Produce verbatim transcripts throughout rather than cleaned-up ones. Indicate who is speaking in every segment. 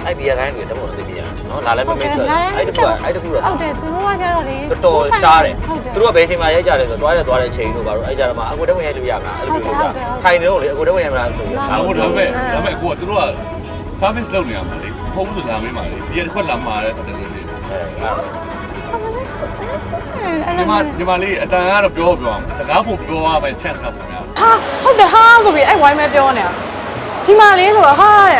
Speaker 1: အဲ့ဘီယာခိုင်းတွေတော့မသိပြရနော်လာလည်းမမင်းဆိုအဲ့တခုကအဲ့တခုတော့
Speaker 2: ဟုတ်တယ်သူတို့ကကျတော့လေ
Speaker 1: တော်တော်ရှားတယ်သူတို့ကဘယ်ချိန်မှရိုက်ကြလဲဆိုတော့တွားရသွားတဲ့ချိန်တို့ပါတော့အဲ့ကြတော့မှအကူတက်ဝင်ရိုက်လို့ရမလားအဲ့လိုမျိုးကြာထိုင်နေတော့လေအကူတက်ဝင်ရမလားဆိုတော့
Speaker 3: ဒါဟုတ်ဒါပေမဲ့ဒါပေမဲ့ကိုကသူတို့က service လုပ်နေရမှာလေဖုန်းလို့လာမင်းပါလေဒီတစ်ခွက်လာမှာတဲ့တဲ့လေးညီမညီမလေးအတန်ကတော့ပြောပြောအောင်စကားပုံပြောရမယ် chance ကပုံများ
Speaker 2: ဟာဟုတ်တယ်ဟာဆိုပြီးအဲ့ဝိုင်းမဲပြောနေတာဒီမှာလေးဆိုတော့ဟာတဲ့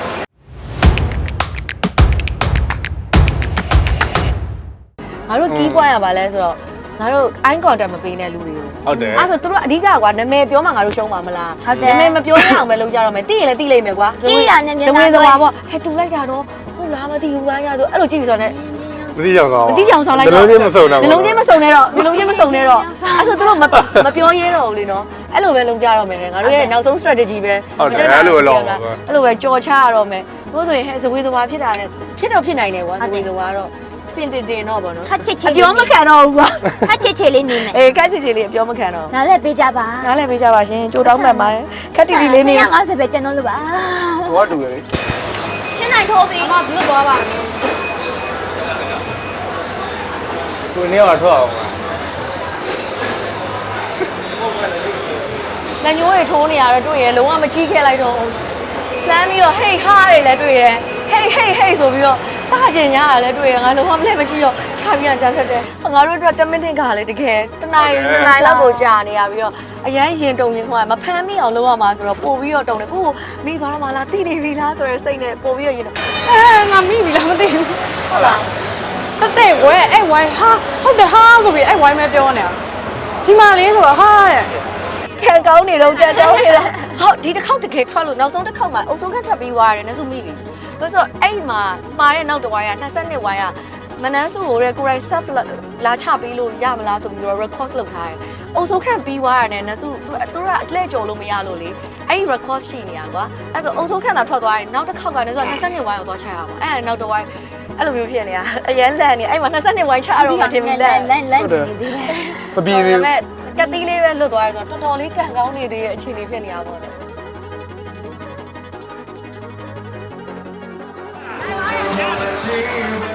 Speaker 2: ငါတို့တီးပွားရပါလဲဆိုတော့ငါတို့ eye contact မပေးနဲ့လူတွေကို
Speaker 3: ဟုတ်တယ်
Speaker 2: အဲ့ဆိုသူတို့အဓိကကွာနာမည်ပြောမှငါတို့ရှုံးပါမလား
Speaker 4: ဟုတ်တယ်
Speaker 2: နာမည်မပြောရအောင်ပဲလုပ်ကြတော့မယ်တီးရင်လည်းတီးလိုက်မယ်ကွာ
Speaker 4: ကြည့်ရနေနေ
Speaker 2: တဝေသွားပေါ့ဟဲ့တူလိုက်တာတော့ဟုတ်လားမသိဘူးဘာညာဆိုအဲ့လိုကြည့်ပြီးဆိုတော့
Speaker 5: သတိကြောင်ဆောင်
Speaker 2: မတိချောင်ဆောင်လိုက်
Speaker 5: နှလုံးချင်းမစုံတော့
Speaker 2: နှလုံးချင်းမစုံနဲ့တော့နှလုံးချင်းမစုံနဲ့တော့အဲ့ဆိုသူတို့မမပြောရဲတော့ဘူးလေနော်အဲ့လိုပဲလုံးကြတော့မယ်ငါတို့ရဲ့နောက်ဆုံး strategy ပဲ
Speaker 5: ဟုတ်တယ်အဲ့လိုလော
Speaker 2: အဲ့လိုပဲကြော်ချရတော့မယ်ဘို့ဆိုရင်ဟဲ့ဇဝေသဝါဖြစ်တာနဲ့ဖြစ်တော့ဖြစ်နိုင်တယ်ကွာဇဝေသဝါတော့စင်တင်တင်တော့ဗောနော်
Speaker 4: ခက်ချစ်ချစ်
Speaker 2: အပြောမခံတော့ဘူးကွာ
Speaker 4: ခက်ချစ်ချစ်လေးနေမယ်
Speaker 2: အေးခက်ချစ်ချစ်လေးအပြောမခံတော့
Speaker 4: နားလည်းပေးကြပါ
Speaker 2: နားလည်းပေးကြပါရှင်ကြိုတောင်းမှတ်ပါတယ်ခက်တီတီလေးနေ
Speaker 4: ငါးဆယ်ပဲကျွန်တော်လို့ပါ
Speaker 5: ဟောတူရလေ
Speaker 4: ရှင်းနိုင်ထိုးပြီ
Speaker 2: အမသူတို့သွားပါ
Speaker 5: ကိုနေရာထွက်အောင်ပါ
Speaker 2: လက်ညိုးတွေထိုးနေရတော့တွေ့ရလုံးဝမကြီးခဲ့လိုက်တော့လှမ်းပြီးတော့ဟေးဟားတွေလည်းတွေ့ရဟေးဟေးဟေးဆိုပြီးတော့စကြင်ညာလည်းတွေ့ရငါလုံးဝမလဲမကြည့်တော့ခြာပြန်တန်းတက်တယ်ငါတို့အတွက်တမင်တင်ကလည်းတကယ်တနိုင်တနိုင်လောက်ကိုကြာနေရပြီးတော့အရန်ရင်တုံရင်ခွာမဖမ်းမိအောင်လုပ်ရမှာဆိုတော့ပို့ပြီးတော့တုံတယ်ကိုကိုမိသွားတော့မလားတိနေပြီလားဆိုရယ်စိတ်နဲ့ပို့ပြီးတော့ရင်အဲငါမိပြီလားမသိဘူးဟုတ်လားတက်တဲ့ဝဲအဲ့ဝိုင်းဟာဟုတ်တယ်ဟာဆိုပြီးအဲ့ဝိုင်းပဲပြောနေတာဒီမှာလေးဆိုတော့ဟာတဲ့ခံကောင်းနေတော့ကြက်တောင်းနေတော့ဟုတ်ဒီတစ်ခေါက်တကယ်ထွက်လို့နောက်ဆုံးတစ်ခေါက်မှာအုပ်ဆုံးခန့်ထွက်ပြီးသွားရတယ်နဲ့ဆိုမိပြီဘာလို့အဲ့မှာမှာတဲ့နောက်တစ်ဝိုင်းက22ဝိုင်းကမနန်းစုကိုတဲ့ကိုရိုက် self လာချပေးလို့ရမလားဆိုပြီးတော့ record လုပ်ထားတယ်အုပ်ဆုံးခန့်ပြီးသွားရတယ်နဲ့စုသူတို့ကအလှည့်ကြော်လို့မရလို့လေအဲ့ဒီ record ရှိနေရကွာအဲ့ဆိုအုပ်ဆုံးခန့်သာထွက်သွားရင်နောက်တစ်ခေါက်ကလည်းဆို22ဝိုင်းကိုသွားချရအောင်အဲ့နောက်တစ်ဝိုင်းအဲ့လိုမျိုးဖြစ်နေတာအရန်လန့်နေအဲ့မှာ22ဝိုင်းချရတော့မှထင်ပြီလန့်
Speaker 4: လန့်လန့်နေသေးတယ်
Speaker 5: မပြီးသေးဘူး
Speaker 2: ကတိလေးပဲလွတ်သွားရဆိုတော့တော်တော်လေးကန်ကောင်းနေသေးတဲ့အခြေအနေဖြစ်နေရပါတော့။